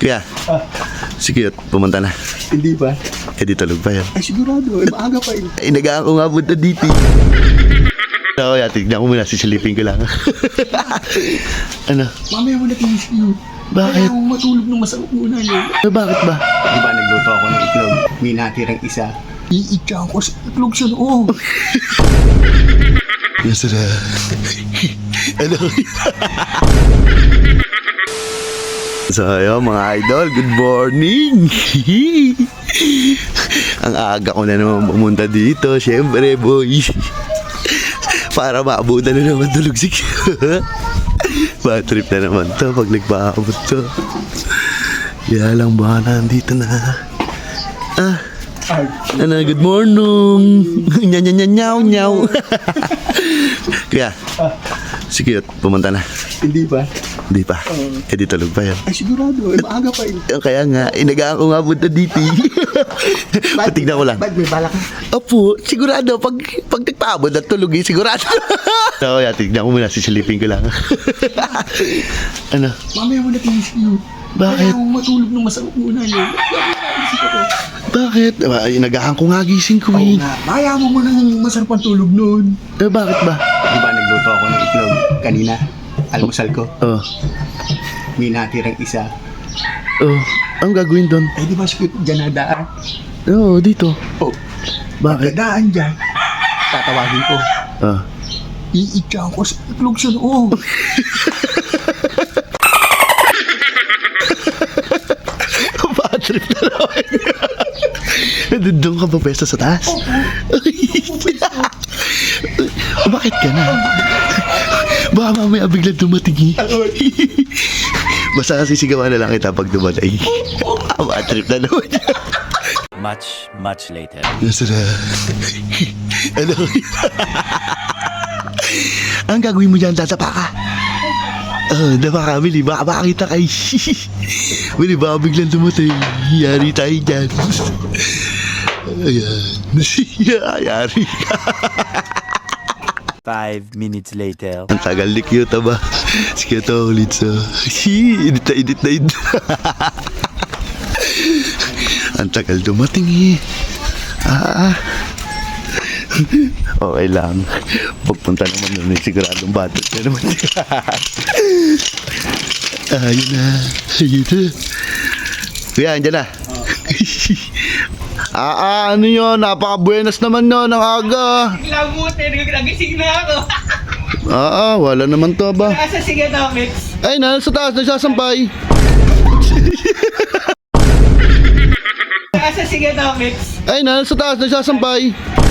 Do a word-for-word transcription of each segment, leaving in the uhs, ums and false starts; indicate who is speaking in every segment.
Speaker 1: Kuya,
Speaker 2: Ah,
Speaker 1: sige, pumunta na.
Speaker 2: hindi ba?
Speaker 1: Eh, di tulog pa yan.
Speaker 2: Ay, sigurado. Eh, maaga pa yun.
Speaker 1: Ay, nagaan ko nga punta dito. Ako, ya, tignan ko muna, sisilipin ko lang. Ano?
Speaker 2: Mamaya mo na tinis yun.
Speaker 1: Bakit?
Speaker 2: Kaya akong matulog ng masarap muna yun.
Speaker 1: Eh, bakit ba?
Speaker 2: Di ba nagluto ako ng itlog? May natirang isa. Iitsa ko sa itlog sa loob.
Speaker 1: Masarap. Ano? So, ayun, mga idol, good morning! Ang aga ko na naman pumunta dito, syempre, boy. Para maabutan na naman tulog si bad trip na naman to pag nagpaabot to. Kaya lang ba nandito na. Ah, ano, good morning! Nya nya nya nyaw nyaw. Kaya, sige, pumunta na.
Speaker 2: Hindi ba?
Speaker 1: Hindi pa. Eh, di tulog pa yan.
Speaker 2: Ay, sigurado. Eh, maaga pa yun.
Speaker 1: Kaya nga, inagaan ko nga punta dito. Patignan ko lang.
Speaker 2: Ba't may balak ka?
Speaker 1: Opo, sigurado. Pag, pag nagpaabot at tulog eh, sigurado. So, yeah, tignan ko muna, sisilipin ko lang. Ano?
Speaker 2: Mamaya mo na tinis yun.
Speaker 1: Bakit?
Speaker 2: Kaya akong matulog ng masarap muna yun. Isip ako.
Speaker 1: Bakit? Ay, inagaan ko nga gising ko
Speaker 2: Oo
Speaker 1: eh.
Speaker 2: nga. Maya mo mo ng masarap ang tulog nun.
Speaker 1: Eh, bakit ba?
Speaker 2: Di ba nagluto ako ng itlog kanina? Almusal ko.
Speaker 1: Oh,
Speaker 2: May natirang isa.
Speaker 1: oh, ang gagawin doon?
Speaker 2: Ay, di ba sakit dyan nadaan?
Speaker 1: Oo, oh, dito.
Speaker 2: Oh,
Speaker 1: Bakit?
Speaker 2: pagkadaan dyan, tatawagin ko.
Speaker 1: Ah.
Speaker 2: Iitsa ko sa itlog sa loob.
Speaker 1: Bad trip na naman. Doon ka ba pwesto sa taas?
Speaker 2: Opo.
Speaker 1: Oh, bakit ka na? Baka mamaya biglang dumating eh. Basta sisigawan na lang kita pag dumating. Bad trip na naman.
Speaker 3: Much, much later.
Speaker 1: Masarap. Ano? Ang gagawin mo dyan, tatapa ka. Ah, dapa ka, Mili. Baka makakita kayo. Mili, baka biglang dumating. Yari tayo dyan. Ayan. Yari ka.
Speaker 3: Five minutes later.
Speaker 1: Ang tagal ni Kyota ba? Si Kyota ulit sa... Hi, edit na edit na edit. Ang tagal dumating eh. Ah, ah. Okay lang. Pagpunta naman nun eh, siguradong batot na naman. Ayun na. Ayun na. Kuya, andyan na. Ah, ah, ano yun? Napaka-buenas naman yun, ang aga.
Speaker 4: Labutin, nagising na ako.
Speaker 1: Ah, ah, wala naman to ba?
Speaker 4: Nasa Siganomics.
Speaker 1: Ay, nasa taas, nagsasampay.
Speaker 4: Nasa Siganomics.
Speaker 1: Ay, nasa taas, nagsasampay.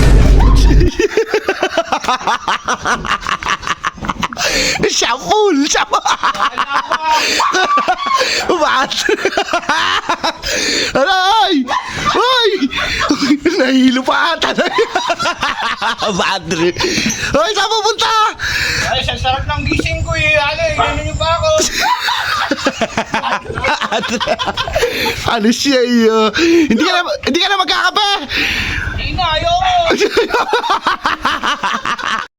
Speaker 1: Siya full! Siya What? Aray! Ay! Nahilo pa ata. Bad trip. Ay, saan pupunta?
Speaker 4: Ay, sa sarap ng gising ko eh. Ano, inano niyo pa ako.
Speaker 1: Ano siya iyo? Hindi ka na, hindi ka na magkakape!
Speaker 4: Hindi na, ayoko.